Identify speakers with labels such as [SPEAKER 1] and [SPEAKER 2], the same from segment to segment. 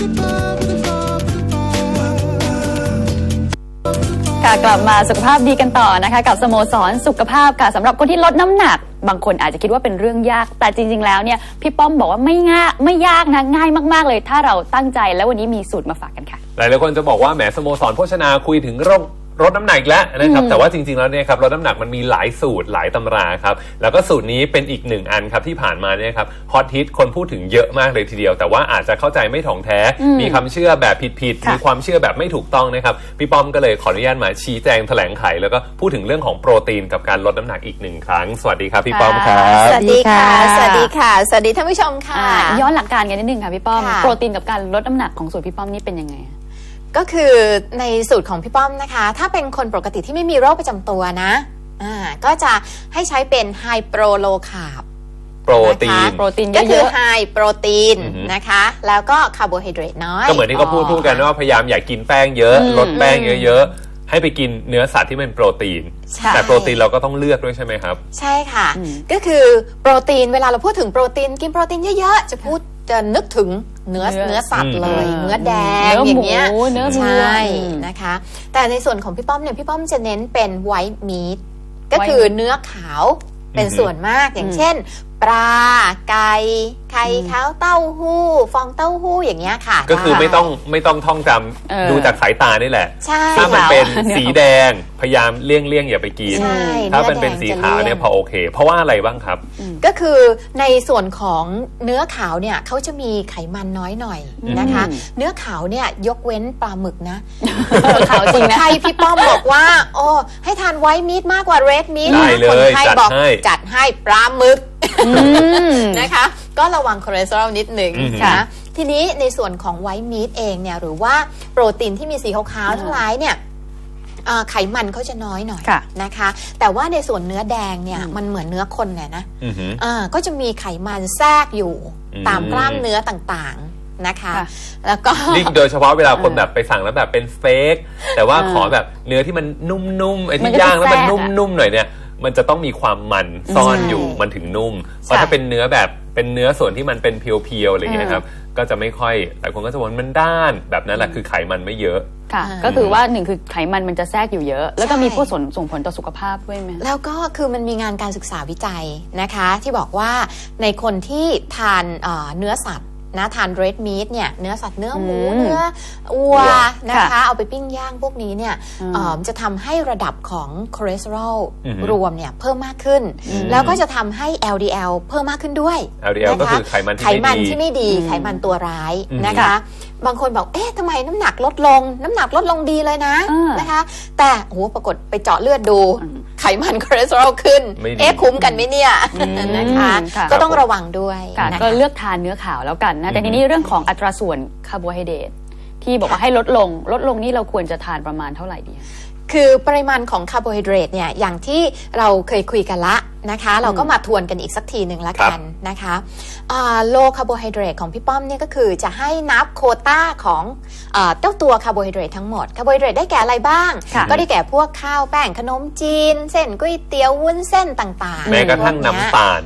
[SPEAKER 1] กลับมาสุขภาพดีกันต่อนะคะกับสโมสรสุขภาพค่ะสำหรับคนที่ลดน้ำหนักบางคนอาจจะคิดว่าเป็นเรื่องยากแต่จริงๆแล้วเนี่ยพี่ป้อมบอกว่าไม่ยากนะง่ายมากๆเลยถ้าเราตั้งใจแล้ววันนี้มีสูตรมาฝากกันค่ะ
[SPEAKER 2] หลายๆคนจะบอกว่าแหมสโมสรโภชนาคุยถึงลดน้ำหนักแล้วนะครับแต่ว่าจริงๆแล้วเนี่ยครับลดน้ำหนักมันมีหลายสูตรหลายตำราครับแล้วก็สูตรนี้เป็นอีกหนึ่งอันครับที่ผ่านมาเนี่ยครับฮอตฮิตคนพูดถึงเยอะมากเลยทีเดียวแต่ว่าอาจจะเข้าใจไม่ถ่องแท้มีคำเชื่อแบบผิดๆมีความเชื่อแบบไม่ถูกต้องนะครับพี่ป้อมก็เลยขออนุญาตมาชี้แจงแถลงไขแล้วก็พูดถึงเรื่องของโปรตีนกับการลดน้ำหนักอีกหนึ่งครั้งสวัสดีครับพี่ป้อมครับ
[SPEAKER 3] สวัสดีค่ะสวัสดีค่ะสวัสดีท่านผู้ชมค่ะ
[SPEAKER 1] ย้อนหลักการกันนิดนึงค่ะพี่ป้อมโปรตีนกับการลดน้ำหนักของสูตรพี่ป้อมนี่เป็นยังไง
[SPEAKER 3] ก็คือในสูตรของพี่ป้อมนะคะถ้าเป็นคนปกติที่ไม่มีโรคประจำตัวนะก็จะให้ใช้เป็นไฮโปรโลคาร์บ
[SPEAKER 2] โปรตีน
[SPEAKER 3] ก็คือไฮโปรตีนนะคะแล้วก็คาร์โบไฮเดรตน้อย
[SPEAKER 2] ก็เหมือนที่เขาพูดกันว่าพยายามอย่ากินแป้งเยอะลดแป้งเยอะๆให้ไปกินเนื้อสัตว์ที่เป็นโปรตีนแต่โปรตีนเราก็ต้องเลือกด้วยใช่ไหมครับ
[SPEAKER 3] ใช่ค่ะก็คือโปรตีนเวลาเราพูดถึงโปรตีนกินโปรตีนเยอะๆจะนึกถึงเนื้อสัตว์เลยเนื้อแดงอย่างเงี้ยใช่นะคะแต่ในส่วนของพี่ป้อมเนี่ยพี่ป้อมจะเน้นเป็นไวท์มีทก็คือเนื้อขาวเป็นส่วนมากอย่างเช่นปลาไก่ไข่ขาวเต้าหู้ฟองเต้าหู้อย่างเงี้ยค่ะ
[SPEAKER 2] ก็คือไม่ต้องท่องจำดูจากสายตานี่แหละถ้ามันเป็นสีแดงพยายามเลี่ยงอย่าไปกินถ้ามันเป็นสีขาวเนี่ยพอโอเคเพราะว่าอะไรบ้างครับ
[SPEAKER 3] ก็คือในส่วนของเนื้อขาวเนี่ยเขาจะมีไขมันน้อยหน่อยนะคะเนื้อขาวเนี่ยยกเว้นปลาหมึกนะ
[SPEAKER 1] ขาวจริงนะ
[SPEAKER 3] ใครพี่ป้อมบอกว่าโอ้ให้ทานไวท์มีทมากกว่าเรดมีท
[SPEAKER 2] คน
[SPEAKER 3] ไข้บอกจัดให้ปลาหมึกนะคะก็ระวังคอเลสเตอรอลนิดหนึ่งนะทีนี้ในส่วนของไวท์มีทเองเนี่ยหรือว่าโปรตีนที่มีสีขาวๆทั้งหลายเนี่ยไขมันเขาจะน้อยหน่อยนะคะแต่ว่าในส่วนเนื้อแดงเนี่ยมันเหมือนเนื้อคนเนี่ยนะก็จะมีไขมันแทรกอยู่ตามกล้ามเนื้อต่างๆนะคะแล้วก็
[SPEAKER 2] นี่โดยเฉพาะเวลาคนแบบไปสั่งแล้วแบบเป็นเฟกแต่ว่าขอแบบเนื้อที่มันนุ่มๆไอ้ที่ย่างแล้วมันนุ่มๆหน่อยเนี่ยมันจะต้องมีความมันซ่อนอยู่มันถึงนุ่มเพราะถ้าเป็นเนื้อแบบเป็นเนื้อส่วนที่มันเป็นเพียวๆอะไรอย่างเงี้ยครับก็จะไม่ค่อยหลายคนก็จะบอกมันด้านแบบนั้นแหละคือไขมันไม่เยอะ
[SPEAKER 1] ค่ะก็คือว่าหนึ่งคือไขมันมันจะแทรกอยู่เยอะแล้วก็มีผู้ส่งผลต่อสุขภาพด้วยไหม
[SPEAKER 3] แล้วก็คือมันมีงานการศึกษาวิจัยนะคะที่บอกว่าในคนที่ทานเนื้อสัตว์นะทานเรดมีทเนี่ยเนื้อสัตว์เนื้อหมูเนื้อวัวนะคะเอาไปปิ้งย่างพวกนี้เนี่ยจะทำให้ระดับของคอเลสเตอรอลรวมเนี่ยเพิ่มมากขึ้นแล้วก็จะทำให้ LDL เพิ่มมากขึ้นด้วย
[SPEAKER 2] LDL ก็คือไขมัน
[SPEAKER 3] ที่ไม่ดีไขมันตัวร้ายนะคะบางคนบอกเอ๊ะทำไมน้ำหนักลดลงดีเลยนะนะคะแต่โอ้โหปรากฏไปเจาะเลือดดูไขมันคอเลสเตอรอลขึ้นเอ๊ะคุ้มกันไหมเนี่ยนะคะก็ต้องระวังด้วย
[SPEAKER 1] ก็เลือกทานเนื้อขาวแล้วกันนะแต่ทีนี้เรื่องของอัตราส่วนคาร์โบไฮเดรตที่บอกว่าให้ลดลงนี่เราควรจะทานประมาณเท่าไหร่ดี
[SPEAKER 3] คือปริมาณของคาร์โบไฮเดรตเนี่ยอย่างที่เราเคยคุยกันละนะคะเราก็มาทวนกันอีกสักทีหนึ่งละกันนะคะโลคาร์โบไฮเดรตของพี่ป้อมเนี่ยก็คือจะให้นับโควต้าของเจ้าตัวคาร์โบไฮเดรตทั้งหมดคาร์โบไฮเดรตได้แก่อะไรบ้างก็ได้แก่พวกข้าวแป้งขนมจีนเส้นก๋วยเตี๋ยววุ้นเส้นต่างๆ
[SPEAKER 2] แม้กระทั่งน้ำตาล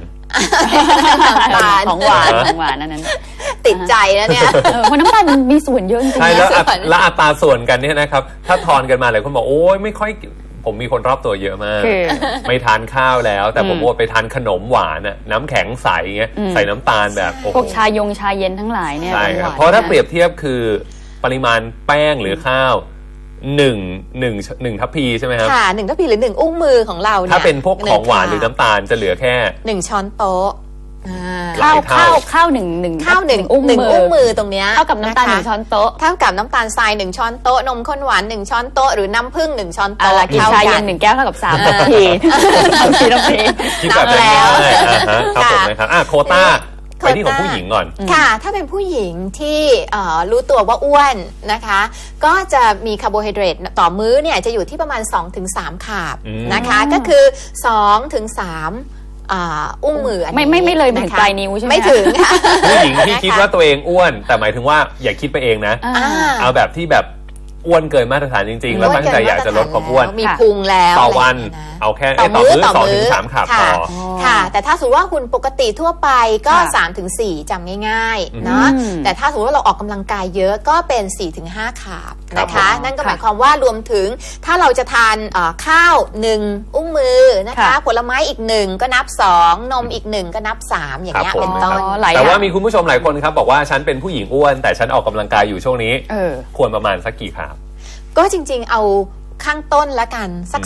[SPEAKER 1] ของหวานนั่น
[SPEAKER 3] ติดใจแล้วเนี่ย
[SPEAKER 1] เพราะน้ำตาลมันมีส่วนเยอะจริง
[SPEAKER 2] ๆใช่แล้วอัตราส่วนกันเนี่ยนะครับถ้าทอนกันมาหลายคนบอกโอ้ยไม่ค่อยผมมีคนรอบตัวเยอะมากไม่ทานข้าวแล้วแต่ผมว่าไปทานขนมหวานน่ะน้ำแข็งใสเงี้ยใส่น้ำตาลแบบ
[SPEAKER 1] พวกชาเย็นทั้งหลายเนี่ย
[SPEAKER 2] ใช่ครับเพราะถ้าเปรียบเทียบคือปริมาณแป้งหรือข้าวหนึ่งทัพพีใช่ไหมครับ
[SPEAKER 3] ค่ะ1ทัพพีหรือ1อุ้งมือของเราเนี่ย
[SPEAKER 2] ถ้าเป็นพวกของหวานหรือน้ำตาลจะเหลือแค่
[SPEAKER 3] 1ช้อนโต๊ะ
[SPEAKER 1] ข้าวหนึ่ง
[SPEAKER 3] อุ้งมือตรงเนี้ย
[SPEAKER 1] เท่ากับน้ำตาล1ช้อนโต๊ะ
[SPEAKER 3] เท่ากับน้ำตาลทราย1ช้อนโต๊ะนมข้นหวาน1ช้อนโต๊ะหรือน้ำผึ้ง1ช้อนโต๊ะ
[SPEAKER 1] กินชาเย็น1แก้วเท่ากับ3นาที
[SPEAKER 2] นับแล้วครับผมนะครับโควต้าไปที่ของผู้หญิงก่อน
[SPEAKER 3] ค่ะถ้าเป็นผู้หญิงที่รู้ตัวว่าอ้วนนะคะก็จะมีคาร์โบไฮเดรตต่อมื้อเนี่ยจะอยู่ที่ประมาณ 2-3 คาร์บนะคะก็คือ 2-3อุ้งมือ
[SPEAKER 1] ไม่เลยถึงปลายนิ้วใช่ไหม
[SPEAKER 3] ไม่ถึงค่ะ
[SPEAKER 2] ผู้หญิงที่คิดว่าตัวเองอ้วนแต่หมายถึงว่าอย่าคิดไปเองนะเอาแบบที่แบบอ้วนเกินมาตรฐานจริงๆแล้วตั้งใจอยากจะลดความอ้วน
[SPEAKER 3] มีพุงแล้ว
[SPEAKER 2] ต่อวัน
[SPEAKER 3] ะไรย่างเงี้ยนะ
[SPEAKER 2] เอาแค่
[SPEAKER 3] ต่อมื้อ
[SPEAKER 2] 2 ถึง 3 ขาบต่อ
[SPEAKER 3] ค่ะ แต่ถ้าสมมติว่าหุ่นปกติทั่วไปก็
[SPEAKER 1] ค่ะ
[SPEAKER 3] 3 ถึง 4จำง่ายๆเนาะ
[SPEAKER 1] อืม
[SPEAKER 3] แต่ถ้าสมมติว่าเราออกกำลังกายเยอะก็เป็น 4 ถึง 5 ขาบนะ
[SPEAKER 2] ครั
[SPEAKER 3] คะ
[SPEAKER 2] บผม
[SPEAKER 3] นั่นก็หมายความว่ารวมถึงถ้าเราจะทานข้าว1อุ้งมือนะคะ
[SPEAKER 1] ค่ะ
[SPEAKER 3] ผลไม้อีก1ก็นับ2นมอีก1ก็นับ3อย่างเงี้ย
[SPEAKER 2] ครับผม
[SPEAKER 3] เป็นต้น
[SPEAKER 1] หลาย
[SPEAKER 2] แต่ว่า
[SPEAKER 1] อย่าง
[SPEAKER 2] มีคุณผู้ชมหลายคนครับบอกว่าฉันเป็นผู้หญิงอ้วนแต่ฉันออกกำลังกายอยู่ช่วงนี้
[SPEAKER 1] เออ
[SPEAKER 2] ควรประมาณสักกี่ขาบ
[SPEAKER 3] ก็จริงๆเอาข้างต้นละกันสัก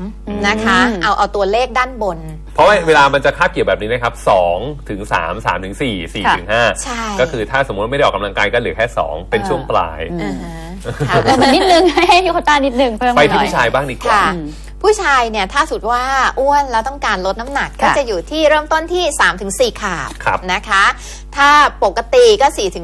[SPEAKER 3] 3นะคะ เอาตัวเลขด้านบน
[SPEAKER 2] เพราะว่าเวลามันจะคาบเกี่ยวแบบนี้นะครับ2 ถึง 3 3 ถึง 4 4 ถึง
[SPEAKER 3] ใช่
[SPEAKER 2] 5ก็คือถ้าสมมติไม่ได้ออกกำลังกายก็เหลือแค่ 2 เป็นช่วงปลาย
[SPEAKER 3] อ่าฮะค่ะ
[SPEAKER 1] เพิ่มมานิดนึง ให้โควต้านิดนึงเพิ่ม
[SPEAKER 2] ไป
[SPEAKER 1] มาห
[SPEAKER 2] ที่
[SPEAKER 1] น่อย
[SPEAKER 2] ผู้ชายบ้างดีกว่า
[SPEAKER 3] ค่ะ ผู้ชายเนี่ยถ้าสุดว่าอ้วนแล้วต้องการลดน้ำหนักก็
[SPEAKER 1] ค่ะ
[SPEAKER 3] จะอยู่ที่เริ่มต้นที่ 3-4 ขาบ
[SPEAKER 2] ครับ
[SPEAKER 3] นะคะ ถ้าปกติก็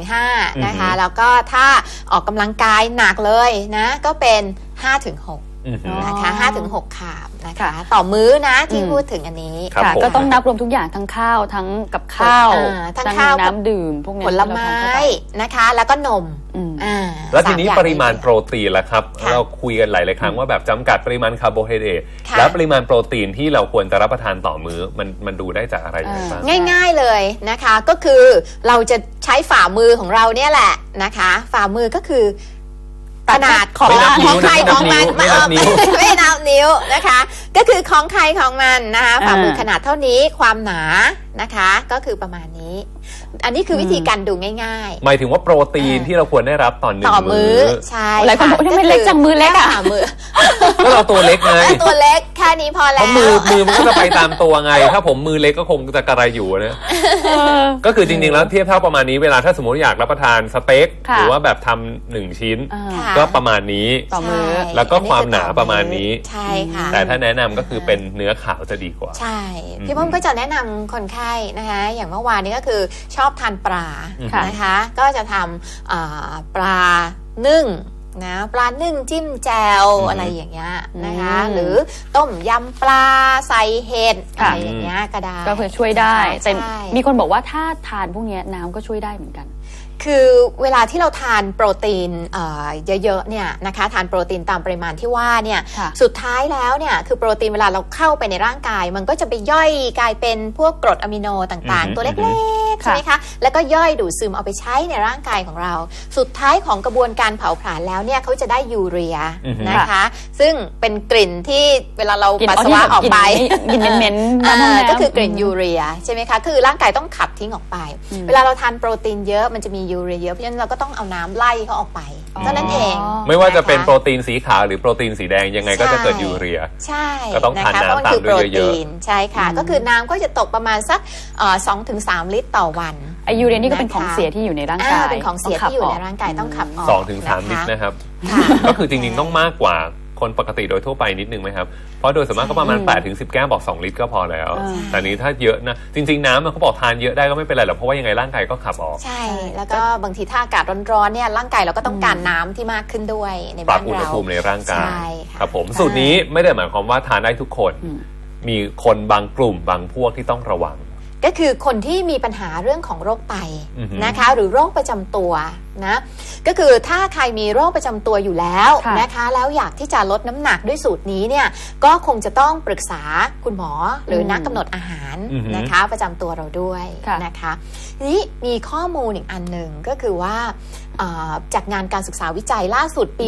[SPEAKER 3] 4-5 นะคะ แล้วก็ถ้าออกกำลังกายหนักเลยนะก็เป็น 5-6
[SPEAKER 2] อือหือ
[SPEAKER 3] นะคะ
[SPEAKER 1] อ๋อ
[SPEAKER 3] 5-6 ขาบนะคะ
[SPEAKER 1] ค่ะ
[SPEAKER 3] ต่อมื้อนะที่พูดถึงอันนี้
[SPEAKER 2] ครับ
[SPEAKER 1] ค่ะ
[SPEAKER 2] ผม
[SPEAKER 1] ก็ต้องนับรวมทุกอย่างทั้งข้าวทั้งกับข้าว
[SPEAKER 3] ทั้งข้าวกับ
[SPEAKER 1] น้ำดื่มพวกนี้
[SPEAKER 3] ผลไม้นะคะ แล้วก็นม
[SPEAKER 1] อืม
[SPEAKER 2] แล้วทีนี้
[SPEAKER 3] สอย่ง
[SPEAKER 2] ปริมาณโปรตีนล่ะครับ
[SPEAKER 3] ค่ะ
[SPEAKER 2] เราคุยกันหลายๆครั้งว่าแบบจำกัดปริมาณคาร์โบไฮเดรต
[SPEAKER 3] ค่ะ
[SPEAKER 2] และปริมาณโปรตีนที่เราควรจะรับประทานต่อมื้อมันดูได้จากอะไรยังไงบ้าง
[SPEAKER 3] ง่ายๆเลยนะคะก็คือเราจะใช้ฝ่ามือของเราเนี่ยแหละนะคะ ฝ่ามือก็คือขนาดของ
[SPEAKER 2] ไม่นับนิ้ว
[SPEAKER 3] ของใคร
[SPEAKER 2] ไม่นั
[SPEAKER 3] ข
[SPEAKER 2] บ
[SPEAKER 3] องมัน
[SPEAKER 2] นิ้วไม่นับนิ้ว
[SPEAKER 3] ไม่นับนิ้วนะคะ ก็คือของใครของมันนะคะฝ่ามือขนาดเท่านี้ความหนานะคะ ก็คือประมาณนี้ อันนี้คือวิธีการดูง่ายๆ
[SPEAKER 2] หมายถึงว่าโปรตีนที่เราควรได้รับต่อหนึ่ง
[SPEAKER 3] ต่อมื้อ
[SPEAKER 2] มื้อ
[SPEAKER 3] ใช่
[SPEAKER 1] หลายคนบอกว่าทำไมเล็กจังมือเล็กอะ
[SPEAKER 3] ฝ่ามือ
[SPEAKER 2] ก็เราตัวเล็กไง
[SPEAKER 3] ตัวเล็กแค่นี้พอ
[SPEAKER 2] เพ
[SPEAKER 3] แล้ว
[SPEAKER 2] ราะมือมันก็จะไปตามตัวไง ถ้าผมมือเล็กก็คงจะกระไรอยู่นะ ก็คือจริงๆแล้วเทียบเท่าประมาณนี้เวลาถ้าสมมติอยากรับประทานสเต็ก
[SPEAKER 1] ค่ะ
[SPEAKER 2] หรือว่าแบบทำ1 ชิ้น
[SPEAKER 3] ค่ะ
[SPEAKER 2] ก็ประมาณนี้
[SPEAKER 1] ต่อมื้อ
[SPEAKER 3] ใช่
[SPEAKER 2] แล้วก็ความหนาประมาณนี้
[SPEAKER 3] ใช่ค่ะ
[SPEAKER 2] แต่ถ้าแนะนำก็คือเป็นเนื้อขาวจะดีกว่า
[SPEAKER 3] ใช่ พี่ป้อมก็จะแนะนำคนไข้นะคะอย่างเมื่อวานนี้ก็คือชอบทานปลา
[SPEAKER 1] ค่ะ
[SPEAKER 3] นะคะ ก็จะทำปลานึ่งนะปลานึ่งจิ้มแจวอะไรอย่างเงี้ยนะคะ หรือต้มยำปลาใส่เห็ดอะไรอย่างเงี้ยก็ได้
[SPEAKER 1] ก็คือช่วยได้ แต่
[SPEAKER 3] ใช่
[SPEAKER 1] มีคนบอกว่าถ้าทานพวกเนี้ยน้ำก็ช่วยได้เหมือนกัน
[SPEAKER 3] คือเวลาที่เราทานโปรตีนเยอะๆเนี่ยนะคะทานโปรตีนตามปริมาณที่ว่าเนี่ย
[SPEAKER 1] ค่ะ
[SPEAKER 3] สุดท้ายแล้วเนี่ยคือโปรตีนเวลาเราเข้าไปในร่างกาย มันก็จะไปย่อยกลายเป็นพวกกรดอะมิโนต่างๆ ตัวเล็กๆใช่ไหมคะแล้วก็ย่อยดูดซึมเอาไปใช้ในร่างกายของเรา สุดท้ายของกระบวนการเผาผลาญแล้วเนี่ยเขาจะได้ยูเรียนะคะ ซึ่งเป็นกลิ่นที่เวลาเราปัสสาวะออกไป
[SPEAKER 1] กินเหม็นๆน้ำห้องน้ำ
[SPEAKER 3] ก็คือกลิ่นยูเรียใช่ไหมคะคือร่างกายต้องขับทิ้งออกไป เวลาเราทานโปรตีนเยอะมันจะมียูเรียเยอะเพราะฉะนั้นเราก็ต้องเอาน้ำไล่เขาออกไปเท่านั้นเอง
[SPEAKER 2] ไม่ว่าจะเป็น
[SPEAKER 3] ค
[SPEAKER 2] โปรตีนสีขาวหรือโปรตีนสีแดงยังไงก็จะเกิดยูเรีย
[SPEAKER 3] ใช่
[SPEAKER 2] ก็ต้องทาน
[SPEAKER 3] นะคะเพราะมัน
[SPEAKER 2] น้ำตาม
[SPEAKER 3] คือ
[SPEAKER 2] ด้
[SPEAKER 3] โป
[SPEAKER 2] ว
[SPEAKER 3] ร
[SPEAKER 2] ยเยอะ
[SPEAKER 3] ตีนใช่ค่ะ ก็คือน้ำก็จะตกประมาณสัก2-3 ลิตรต่อวัน
[SPEAKER 1] ไอยูเรียนี่ก็เป็นของเสียที่อยู่ในร่างกาย
[SPEAKER 3] เป็นของเสียที่อยู่ในร่างกายต้องขับออก
[SPEAKER 2] 2 ถึง 3 ลิตรนะครับ
[SPEAKER 3] ค่ะ
[SPEAKER 2] ก็คือจริงๆต้องมากกว่าคนปกติโดยทั่วไปนิดนึงไหมครับ เพราะโดยส่วนมากก็ประมาณ8 ถึง 10 แก้วบอก 2 ลิตรก็พอแล้ว แต่นี้ถ้าเยอะนะ จริงๆน้ำเขาบอกทานเยอะได้ก็ไม่เป็นไรหรอกเพราะว่ายังไงร่างกายก็ขับออก
[SPEAKER 3] ใช่ แล้วก็บางทีถ้าอากาศร้อนๆเนี่ยร่างกายเราก็ต้องการน้ำที่มากขึ้นด้วยใน
[SPEAKER 2] ปรั
[SPEAKER 3] บ้า
[SPEAKER 2] บ
[SPEAKER 3] น
[SPEAKER 2] อุณห
[SPEAKER 3] เรา
[SPEAKER 2] ภูมิในร่างกาย
[SPEAKER 3] ใช่ค่ะ
[SPEAKER 2] ครับผมสูตรนี้ไม่ได้หมายความว่าทานได้ทุกคน มีคนบางกลุ่มบางพวกที่ต้องระวัง
[SPEAKER 3] ก็คือคนที่มีปัญหาเรื่องของโรคไต
[SPEAKER 2] อือฮึ
[SPEAKER 3] นะคะหรือโรคประจำตัวนะก็คือถ้าใครมีโรคประจำตัวอยู่แล้ว
[SPEAKER 1] ค่ะ
[SPEAKER 3] นะคะแล้วอยากที่จะลดน้ำหนักด้วยสูตรนี้เนี่ยก็คงจะต้องปรึกษาคุณหมอหรือนักกำหนดอาหารนะคะประจำตัวเราด้วยนะคะทีนี้มีข้อมูลอีกอันหนึ่งก็คือว่าจากงานการศึกษาวิจัยล่าสุดปี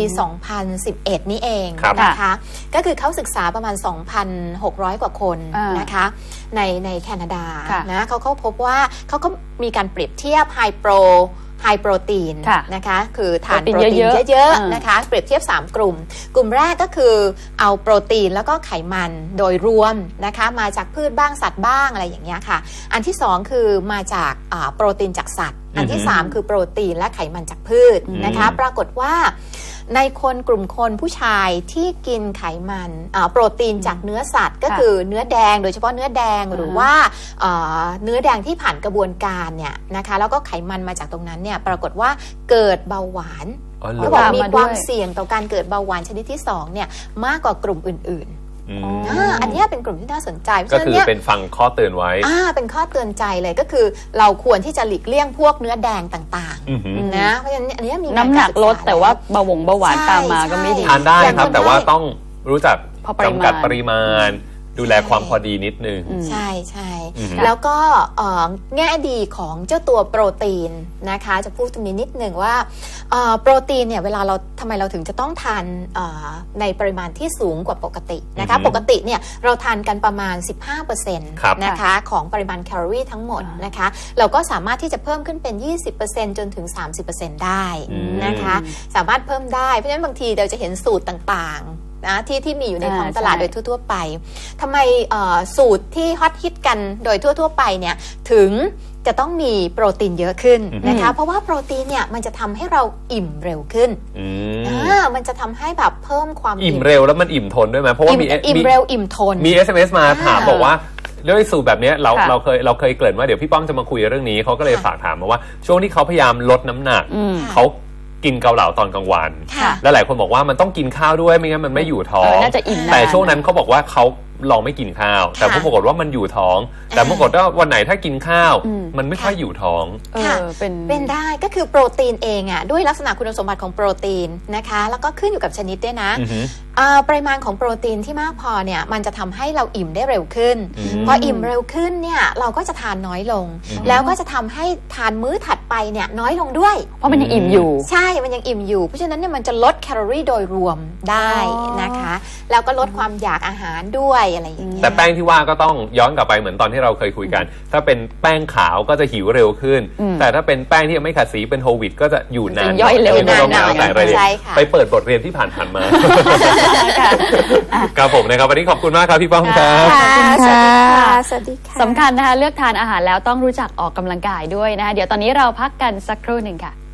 [SPEAKER 3] 2011 นี้เองนะคะก็คือเขาศึกษาประมาณ 2,600 กว่าคนนะคะในแคนาดานะเขาพบว่าเขาก็มีการเปรียบเทียบไฮโปรตีนนะคะคือทานโปรตีนเยอะๆนะคะเปรียบเทียบ3 กลุ่มกลุ่มแรกก็คือเอาโปรตีนแล้วก็ไขมันโดยรวมนะคะมาจากพืชบ้างสัตว์บ้างอะไรอย่างเงี้ยค่ะอันที่2คือมาจากโปรตีนจากสัตว์อันที่3คือโปรตีนและไขมันจากพืชนะคะปรากฏว่าในคนกลุ่มคนผู้ชายที่กินไขมันโปรตีนจากเนื้อสัตว์ก็คือเนื้อแดงโดยเฉพาะเนื้อแดงหรือว่าเนื้อแดงที่ผ่านกระบวนการเนี่ยนะคะแล้วก็ไขมันมาจากตรงนั้นเนี่ยปรากฏว่าเกิดเบาหวานเขาบอกมีความเสี่ยงต่อการเกิดเบาหวานชนิดที่2เนี่ยมากกว่ากลุ่มอื่นๆอันนี้เป็นกลุ่มที่น่าสนใจ
[SPEAKER 2] ก็คือเป็นฟังข้อเตือนไว้
[SPEAKER 3] เป็นข้อเตือนใจเลยก็คือเราควรที่จะหลีกเลี่ยงพวกเนื้อแดงต่าง
[SPEAKER 2] อือหือ
[SPEAKER 3] นะเพราะฉะนั้นอันนี้มี
[SPEAKER 1] น้ำหนักลด
[SPEAKER 3] ศึษ
[SPEAKER 1] แต่ว่าเบาหวานตามมาก็ไม่ดี
[SPEAKER 2] ทานได้ครับแต่ว่าต้องรู้จัก
[SPEAKER 1] พอปริมาณ
[SPEAKER 2] จำกัดปริมาณ ดูแลความพอดีนิดนึง
[SPEAKER 3] ใช่ใช่
[SPEAKER 2] อืม
[SPEAKER 3] แล้วก็แง่ดีของเจ้าตัวโปรตีนนะคะ จะพูดตรงนี้นิดหนึ่งว่าโปรตีนเนี่ยเวลาเราทำไมเราถึงจะต้องทานในปริมาณที่สูงกว่าปกตินะคะปกติเนี่ยเราทานกันประมาณ 15%
[SPEAKER 2] ครับ
[SPEAKER 3] นะคะของปริมาณแคลอรี่ทั้งหมดนะคะเราก็สามารถที่จะเพิ่มขึ้นเป็น 20% จนถึง 30% ได้นะคะสามารถเพิ่มได้เพราะฉะนั้นบางทีเราจะเห็นสูตรต่างๆนะที่มีอยู่ในท้องตลาด
[SPEAKER 1] ใช่
[SPEAKER 3] โดยทั่วๆไปทำไมสูตรที่ฮอตฮิตกันโดยทั่วๆไปเนี่ยถึงจะต้องมีโปรตีนเยอะขึ้นนะคะเพราะว่าโปรตีนเนี่ยมันจะทำให้เราอิ่มเร็วขึ้น มันจะทำให้แบบเพิ่มความ
[SPEAKER 2] อิ่มเร็วแล้วมันอิ่มทนด้วยไหมเพราะว่ามี
[SPEAKER 3] อิ่มเร็วอิ่มทน
[SPEAKER 2] มี SMS มาถามบอกว่าด้วยสูตรแบบนี้เราเคยเกริ่นว่าเดี๋ยวพี่ป้อมจะมาคุยเรื่องนี้เขาก็เลยฝากถามมาว่าช่วงที่เขาพยายามลดน้ำหนักเขากินเกาเหลาตอนกลางวัน
[SPEAKER 3] ค่ะ
[SPEAKER 2] และหลายคนบอกว่ามันต้องกินข้าวด้วยไม่งั้นมันไม่อยู่ท้อง
[SPEAKER 1] น่าจะอิ่มนาน
[SPEAKER 2] แต่ช่วงนั้นเขาบอกว่าเขาลองไม่กินข้าว แต่ปรากฏว่ามันอยู่ท้อง แต่ปรากฏว่าวันไหนถ้ากินข้าวมันไม่ค่อยอยู่ท้อง
[SPEAKER 3] ค่ะ
[SPEAKER 1] เป็น
[SPEAKER 3] ได้ก็คือโปรตีนเองอ่ะด้วยลักษณะคุณสมบัติของโปรตีนนะคะแล้วก็ขึ้นอยู่กับชนิดด้วยนะ
[SPEAKER 2] อือฮึ
[SPEAKER 3] ปริมาณของโปรตีนที่มากพอเนี่ยมันจะทำให้เราอิ่มได้เร็วขึ้น พออิ่มเร็วขึ้นเนี่ยเราก็จะทานน้อยลง แล้วก็จะทำให้ทานมื้อถัดไปเนี่ยน้อยลงด้วย
[SPEAKER 1] เพราะมันยังอิ่มอยู่
[SPEAKER 3] ใช่มันยังอิ่มอยู่เพราะฉะนั้นเนี่ยมันจะลดแคลอรี่โดยรวมได้นะคะแล้วก็ลดความอยากอาหารด้วยอะไรอย่างเงี้ย
[SPEAKER 2] แต่แป้งที่ว่าก็ต้องย้อนกลับไปเหมือนตอนที่เราเคยคุยกัน ถ้าเป็นแป้งขาวก็จะหิวเร็วขึ้น แต่ถ้าเป็นแป้งที่ยังไม่ขัดสีเป็นโฮลวีตก็จะอยู่นาน
[SPEAKER 1] จะย่อยเร็ว
[SPEAKER 2] ไม่ต้อง
[SPEAKER 3] นาน
[SPEAKER 2] แต่รายละเอียด
[SPEAKER 3] ใช่ค่ะ
[SPEAKER 2] ไปเปิดบทเรียนที่ผ่านๆมา
[SPEAKER 1] ค่ะ
[SPEAKER 2] ครับผมนะครับวันนี้ขอบคุณมากครับพี่ป้อมครับ
[SPEAKER 3] ค่ะ
[SPEAKER 1] ขอบคุณค่ะ
[SPEAKER 3] สวัสดีค่ะ
[SPEAKER 1] สำคัญนะคะเลือกทานอาหารแล้วต้องรู้จักออกกำลังกายด้วยนะคะเดี๋ยวตอนนี้เราพักกันสักครู่หนึ่งค่ะ